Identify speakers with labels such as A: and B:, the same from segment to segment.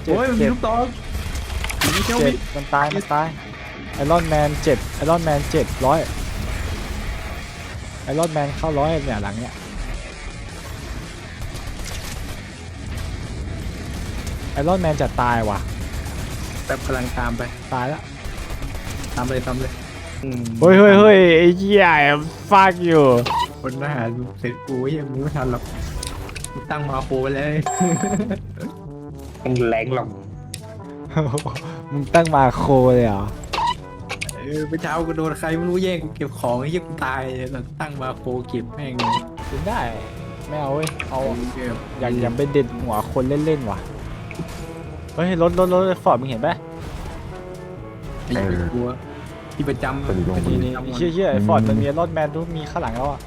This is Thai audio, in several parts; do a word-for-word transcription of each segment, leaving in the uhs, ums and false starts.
A: เจ็บ
B: โอ้ยมันมี
A: เจ็บ
B: ลูกตองมีเจ้า
A: เจ็
B: วิ
A: บมันตายมันตายไอรอนแมนเจ็บไอรอนแมนเจ็บร้อยไอรอนแมนเข้าร้อยเนี่ยหลังเนี่ยไอรอนแมนจะตายว่ะ
B: แบบกำลังตามไป
A: ตายแล้ว
B: ตามเลยตามเลยอืม
A: เฮ้ยเฮ้ยเฮ้ยไอ้เหี้ยฟากอยู่
B: คนทหารเสร็จกูยังมึงไม่ทันหรอกกูตั้งมาโคไว้แล้ว
C: มันแรงหรอก
A: มึงตั้งมาโคเลยเหรอ
B: เออเมื่อเช้ากูโดนใครไม่รู้แย่งกูเก็บของไอ้เหี้ยกูตายแล้วตั้งมาโคเก็บแม่งเลย
A: กินได้ไม่เอาเว้ยเอา
B: เก็บ
A: อยากอย่าไปเด็ดหัวคนเล่นๆว่ะเฮ้ยรถรถรถฟอร์ดมึงเห็นปะ
B: ไอ้กูที่ประจำ
D: คนอยู่ตรง
A: นี่
D: นี้
A: นี่เชี่ยเชี่ยไอ้ฟอร์ดมันมีรถแมนทุกมีข้างหลังแล้วอ่ะ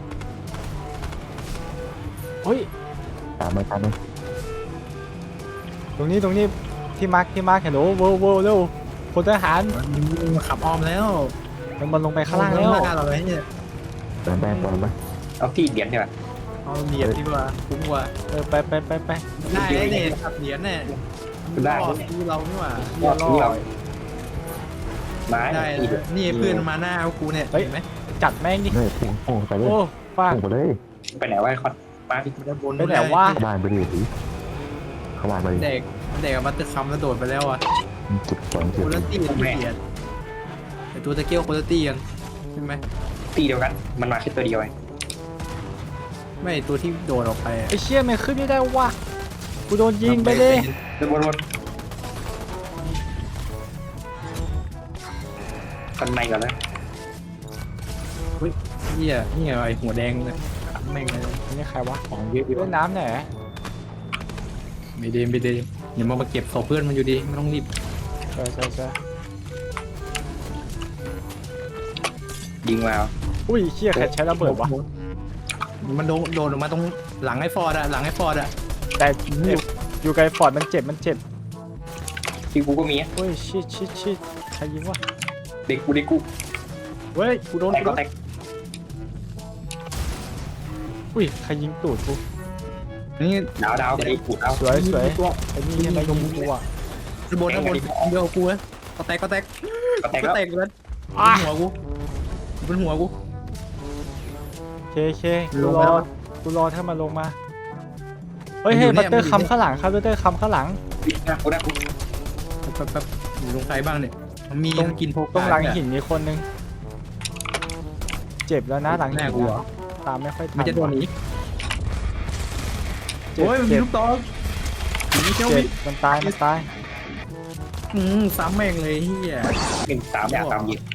A: เฮ้ย
D: ตามมาตามมา
A: ตรงนี้ตรงนี้ที่มาร์คที่มาร์คเห็นโอ้โหโว้เร็วพลทหาร
B: มันขับอ้อมแล้ว
A: มันมันลงไปข้างล่างแล้ว
B: หน้าเราเลยเนี่ย
D: ตามแป้งตามมา
C: เอาที่เหรียญดีกว่า
B: เอาเหรียญดีกว่าคุ้มกว่า
A: เออไปไปไปไป
B: ได้เลยเนี่ยขับเหรียญเนี่ย
C: ได้
B: รอดดูเรานี่หว่า
A: เหี้ยรอด
C: ไม้
B: ได้
C: ที่
B: เลยนี่เพื่อนมาหน้ากูเนี่ย
A: เฮ้ย
B: เห็นไหม
A: จัดแม่งดิ
D: เฮ้ยพุ่งพุ่งไปเลย
A: โอ้ฟาก
D: พุ่งไปเลย
C: ไปไหนวะไอ้คอนมาพี่
B: มันจะบน
A: ไปไหนวะ
D: เข้าบ้านไปดิสิเข้าบ้านไปดิ
B: เด็กเด็กกับบัตเตอร์คัมแล้วโดดไปแล้วอ่ะ
D: จุดสองจุ
B: โค
D: ด
B: ลตี้มันเปลี่ยนไอตัวตะเกียวโคลตี้กันใช่ไหม
C: ตีเดียวกัน มันมาแค่ตัวเดียวเอง
B: ไม่ตัวที่โดดออกไปอะ
A: ไอ้เชี่ยมันขึ้นไม่ได้วะกูโดนยิงไปเลย
C: เดินวนๆกันในก่อนเลย
B: เฮียนี่ไอหัวแดงเลยแม่งเลย
A: อันนี่ใครวะ
B: ของเยอะดี
A: เล่นน้ำไหน
B: ไม่เดมไม่เดมเดี๋ยวมามาเก็บศพเพื่อนมันอยู่ดีไม่ต้องรีบ
A: ใช่ใช่ใช่
C: ยิงมา
A: อุ้ยเชี่ยใครใช้ระเบิดวะ
B: มันโดนโดนออกมาตรงหลังไอ้ฟอร์ดอะหลังไอ้ฟอร์ดอะ
A: แต่อยู่อยู่ไกลฟอร์ดมันเจ็บมันเจ็บ
C: ที่กูก็มี
A: เฮ้ยชิดชิดชิดใครยิงวะ
C: เด็กกูเด็กกู
A: เฮ้ยกูโดน
C: แตก
A: กูโด
C: ก็
A: น
C: แตก
A: อุ้ยใครยิงตูดกู
B: นี่
C: ดาวดาวไปดิกูดาว
A: สวยสวยไอ้นี่ยังไงยิงกูอ่ะ
B: ข้างบนข้างบนเดียวกูนะก็แตกก็แตก
C: ก็แตก
B: ก็
C: แล้ว
B: แตกเลย
A: อ่ะ
B: บนหัวกูบนหัวกู
A: เคเคกู
B: ลง
A: ร
B: ไป
A: อ
B: แล้ว
A: กูรอถ้ามาลงมาเฮ้ย
B: มันอยู่
A: เฮ้ย
B: เนี่
A: บั
B: ย
A: ตเตอร์
B: มันอยู่
A: คำข้างหลังครับบัตเตอร์คำข้างหลัง
C: หน้ากูหน้ากู
B: แป๊บแป๊บอยู่ตรงใครบ้างเนี่ยมันมี
A: ตรง
B: กินโพก
A: ตรงหลังหินมีคนนึงเจ็บแล้วนะหลัง
B: ห
A: หิ
B: น้าน กูเหรอ
A: ตามไม่ค่อยทัน
B: มันจะโดนหนี
A: เจ็บ
B: โอ้ยมันมี
A: เจ็บ
B: ลูกตองมีเจ้า
A: เจ็
B: วิ
A: บมันตายมันตาย
B: อืมซ้ำแม่งเลยเฮีย
C: หนึ่งสามอย่างสามยิง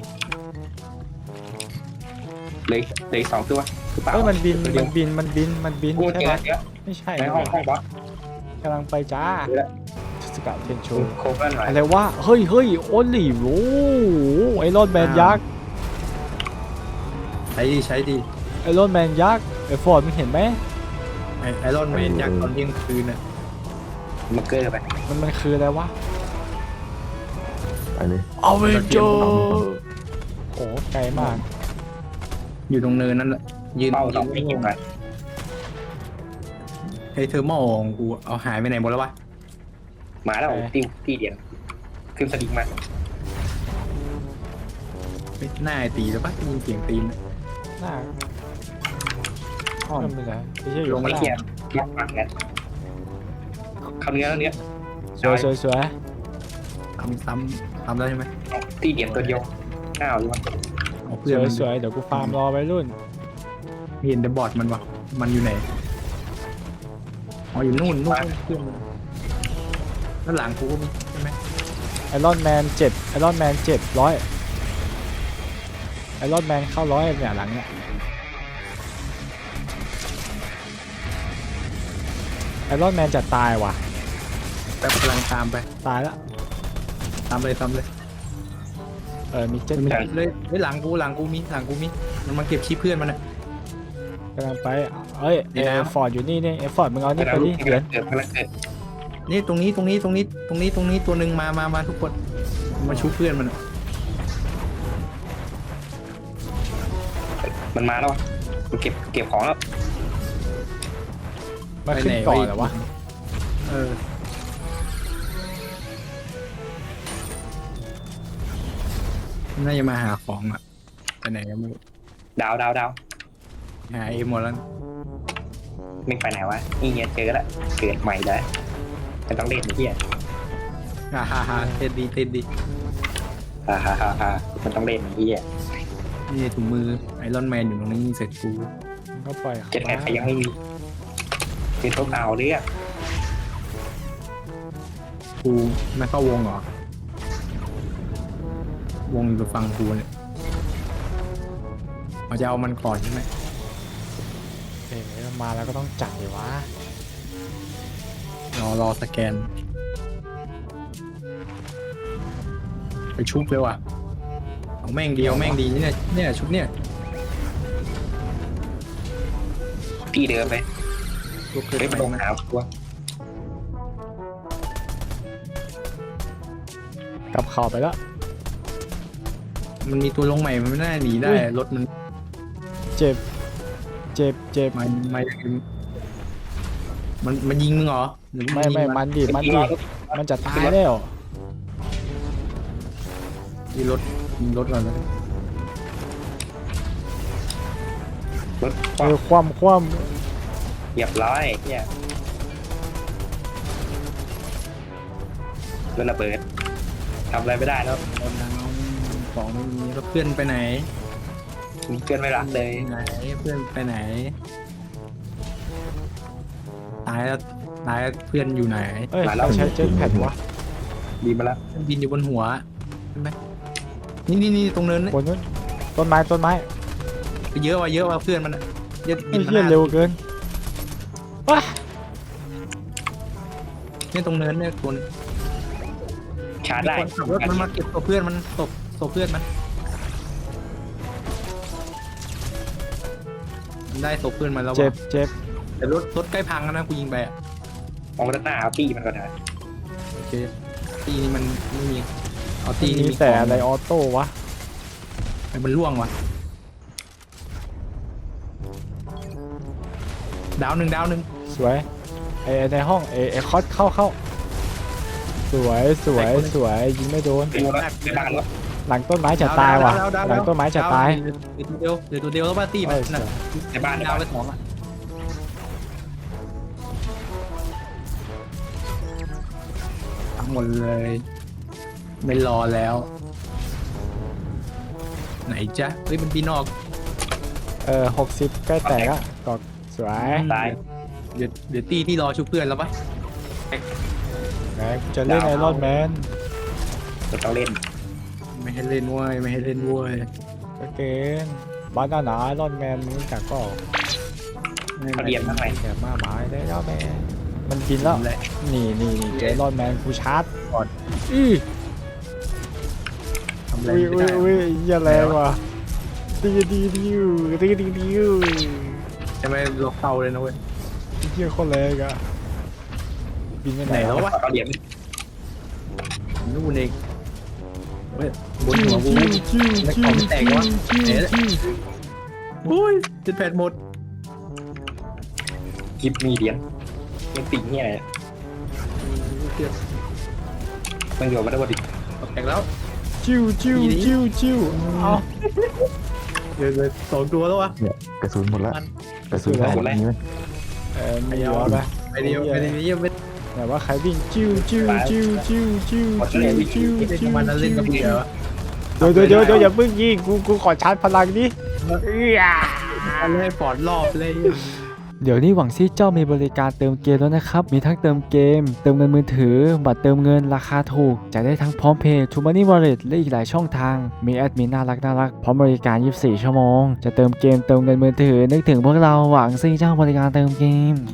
C: เลยเลยสองตัวคือเปล่า
A: เฮ้ยมันบิน
C: ตัว
A: มั
C: เดียวน
A: บินมันบินมันบิน
C: กู
A: ใช่
C: เจ
A: ไหม
C: อเนี้ย
A: ไม่ใช่
C: ในห้องห้องบอส
A: กำลังไปจ้า
C: เจอแล้ว
A: สกัดเทนโช
C: โคเบิลหน่อย
A: อะไรวะเฮ้ยเฮ้ยโอลิโอ้ไอรอนแมนยักษ์
B: ใช้ดีใช้ดี
A: ไอรอนแมนยักษ์ไอฟอร์ดมึงเห็นไหม
B: ไอไอรอนแมนยักษ์ตอนเที่ยงคืนน่ะ
C: มาเกอร์ไป
A: มันมันคืออะไรวะ
D: ไปเลย
A: อเวนเจอร์โอ้ไกลมาก
B: อยู่ตรงเนินนั่นแหละยืน
C: เป้าส
B: ยื
C: อง
B: น
C: ไม่ยิงหน่อย
B: ไอเทอร์โมของกูเอาหายไปไหนหมดแล้ววะ
C: มาแล้วตีตีเดียนขึ้นสลิงมา
B: ไปหน้าไอตีแล้วปะได้ยินเสียงตีนน่ะ
A: หน้า
B: อ้อม
A: เริ่มไปแล้วไม่ใช่อยู่
C: ลง
A: ข้าง
C: ไม่
A: ล่าง
C: เกียร์ล็อกปากเนี่ยคำเนื้อแล้วเนื้อ
A: สวยสวยสวย
B: ทำซ้ำทำได้ใช่ไหม
C: ตีเดียนตัวเดียวอ้าวอยู่วะ
B: เอา
A: ส
B: เพื่อน
A: วย
B: มัน
A: สวยเดี๋ยวกูฟาร์มรอไปรุ่น
B: เห็นแต่บอดมันวะมันอยู่ไหนอ๋ออยู่นู่นนู่นเพื่อนมันแล้วหลังกูก็มีใช่ไหม
A: ไอรอนแมนเจ็บไอรอนแมนเจ็บร้อยไอรอนแมนเข้าร้อยเนี่ยหลังเนี่ยไอรอนแมนจะตายว่ะ
B: แบบกำลังตามไป
A: ตายแล้ว
B: ตามเลยตามเลย
A: เออมีเจ็ต
B: มัน
A: แพ็ค
B: เลยเฮ้ยหลังกูหลังกูมีหลังกูมีมันมาเก็บชี้เพื่อนมันอ่ะ
A: กำลังไปเอ้ย
B: ใน
A: เอ
B: น้ำ
A: ฟอร์ดอยู่นี่นี่เอฟอร์ดมึงเอานี่ไป
C: แล้ว
A: ดิ
C: ลูก
A: เหรียญ
C: เกิดพลังเกิด
B: นี่ตรงนี้ตรงนี้ตรงนี้ตรงนี้ตรงนี้ตัวหนึ่งมามามาทุกคนมาชูเพื่อนมันอะ
C: มันมาแล้วมันเก็บเก็บของแล้ว
A: มาขึ้นก่อนเหรอวะ
B: เออน่าจะมาหาของอ่ะไปไหนก็ไม่รู้
C: ดาวดาวดาว
B: หาเอหมดแล้ว
C: ไม่ไปไหนวะนี่เงี้ยเจอละเกิดใหม่แล้วมันต้องเล่นไอ้เหี้ย
B: ฮ่าฮ่าฮ่าเต้นดีเต้นดี
C: ฮ่าฮ่าฮ่าฮ่ามันต้องเล่นไอ้เหี้ย
B: นี่ถุงมือไอรอนแมนอยู่ตรงนี้เสร็จกู
A: ก็ปล่อยเขา
C: เจ็ดแอดยังไม่มีคือต้องเอาเรื่อง
B: กูไม่เข้าวงเหรอวงอยู่ฝั่งกูเนี่ยเราจะเอามันก่อนใช่ไหม
A: เอ๋มาแล้วก็ต้องจัดเลยวะ
B: รอรอสแกน ไปชุบเลยว่ะเอาแม่งเดียวแม่งดีเนี่ยเนี่ยชุดเนี่ย
C: ที่เดิมไป
B: ชุบเกิน
C: เฮ้ย
B: ไป
C: มันลง
B: ไหม
C: หาตัว
A: กลับเข่าไปแล้ว
B: มันมีตัวลงใหม่มันไม่น่าหนีได้
A: อุ้ย
B: รถมัน
A: เจ็บ เจ็บเจ็บ
B: มันมันมันมันยิงมึงเหรอหรือ
A: ไม่
B: ยิง
A: ไม่มันดิมันดิมันจะตายแล้ว
B: ยิงรถยิงรถก่อนเลย
C: รถ
A: เออคว่ำคว่
C: เหยียบร้อยเนี่ยรถระเบิดทำอะไรไม่ได้แล้ว
B: รถดังของไม่มีแล้วเพื่อนไปไหน
C: มีเพื่อนไม่รักเลย
B: ไหนเพื่อนไปไหนตายแล้วตายแล้วเพื่อนอยู่ไหน
A: ำเอ้ยเราใช้เจ็ตแพดวะ
C: ดีมาแล้ว
B: บินอยู่บนหัวใช่ไหมนี่นี่นี่ตรงเนินนี่
A: บนนู้นต้นไม้ต้นไม้
B: เยอะว่ะเยอะว่ะเพื่อนมันอะเยอะ
A: ไอ้
B: บินมา
A: เหี้ย
B: หน้า
A: เร็วเกินว้า
B: เนี่ยตรงเนินเนี่ยคน
C: ชาร์จ
B: มี
C: ได้
B: คนขับรถมันมาเก็บตัวเพื่อนมันตบตบเพื่อนมันมันได้ตบเพื่อนมันแล้ว
A: เจ็บ
B: ว่ะ
A: เจ็บ
B: แต่รถรถใกล้พังแล้วนะกูยิงไปอะ
C: มองด้านหน้าเอาตีมันก่อนนะ
B: โอเคตีนี้มันไม่มีเอาตีนี้
A: มี
B: มี
A: แต่
B: ของ
A: อะไรออโต้วะ
B: มันล่วงว่ะดาวหนึ่งดาวหนึ่ง
A: สวยไอไอ้ในห้องไอไอคอสเข้าเข้าสวยสวยสวยยิงไม่โดน
C: เป็นรถในบ้านรถ
A: หลังต้นไม้จะตายว่ะหลังต้นไม้จะตาย
B: เดี๋ยวตัวเดียวเดี๋ยวตัวเดียวแล้วป้าตีมัน
A: เออ
B: น่ะ
C: ในบ้านใน
B: ดาว
C: บ้าน
B: ไปสองอ่ะทั้งหมดเลย ไม่รอแล้ว ไหนจ๊ะเฮ้ยมันปีนออก
A: เออหกสิบใกล้แตกอะกอกสวย
C: ตาย
B: เดี๋ยวเดี๋ยวตีที่รอชุบเพื่อนแล้วปะ
A: แหมกูจะเล่นไอรอนแมน
C: เราต้องเล่น
B: ไม่ให้เล่นเว้ยไม่ให้เล่นเว้ย
A: ก็เก่งบ้านหน้าหนาไอรอนแมนมึงจากก็
C: เขาเรียนทำไม
A: แต่มาหมายได้แล้วแมนมันบินแล้ว
B: แหละ
A: นี่นี่นี่เจอไอรอนแมนกูชาร์จ
B: ก่อน
A: อื้อ
B: ทำอะไร
A: อุ้ย
B: ไม่
A: อุ้ย
B: ได้
A: อุ้ยเหี้ยแรงว่ะตีดีดิวตีดีดิว
B: จะไม่ลกเตาเลยนะเว้ย
A: เหี้ยโคนแรงอะบินไปไหน
B: ไหนแล้ววะ
C: เขาเรียน
B: นู่นเองเว้ยบน
A: จิ้
B: หั
A: ว
B: วกู
A: จิ้วจิ้ว
B: ไม่
A: จิ้
B: ขอ
A: ว
B: งแตกวะ
A: จิ้ว
B: ไหนละ
A: จิ้ว
B: โอ้ยจะแผดหมด
C: กิฟมีเหรียญยังติ่งเนี่ย
B: เกือบ
C: มันอยู่มาได้บดิ
B: แตกแล้ว
A: จิ้วจิ้วจิ้วจิ้วเอา
B: เดี๋ยวเลยสองตัวแล้ววะ
D: เนี่ยกระสุนหมดแล้ว
B: มัน
D: กระสุนหมดแล้วนี่ไหม
A: เออมีเหรอปะ
B: ไปเดียวไปเดียวเยี่ยมไป
A: แต่ว่าใครวิ่งจิ้วจิ้วจิ้วจิ้วจิ้วจิ้วจิ้ว
B: เล่น
A: จิ้
B: กับ
A: ว
B: มันแล้วเล่นกับเบียร์
A: เดี๋ยวเดี๋ยวเดี๋ยวเดี๋ยวอย่าเพิ่งยิงกูกูขอชาร์จพลังดิเอื้อ
B: เล่นปอดรอบเลย
A: เดี๋ยวนี้หวังซี่เจ้ามีบริการเติมเกมแล้วนะครับ มีทั้งเติมเกม เติมเงินมือถือ บัตรเติมเงินราคาถูกจ่ายได้ทั้งพร้อมเพย์ทูมันนี่วอลเล็ตและอีกหลายช่องทาง มีแอดมินน่ารักน่ารักพร้อมบริการยี่สิบสี่ชั่วโมง จะเติมเกมเติมเงินมือถือนึกถึงพวกเราหวังซี่เจ้าบริการเติมเกม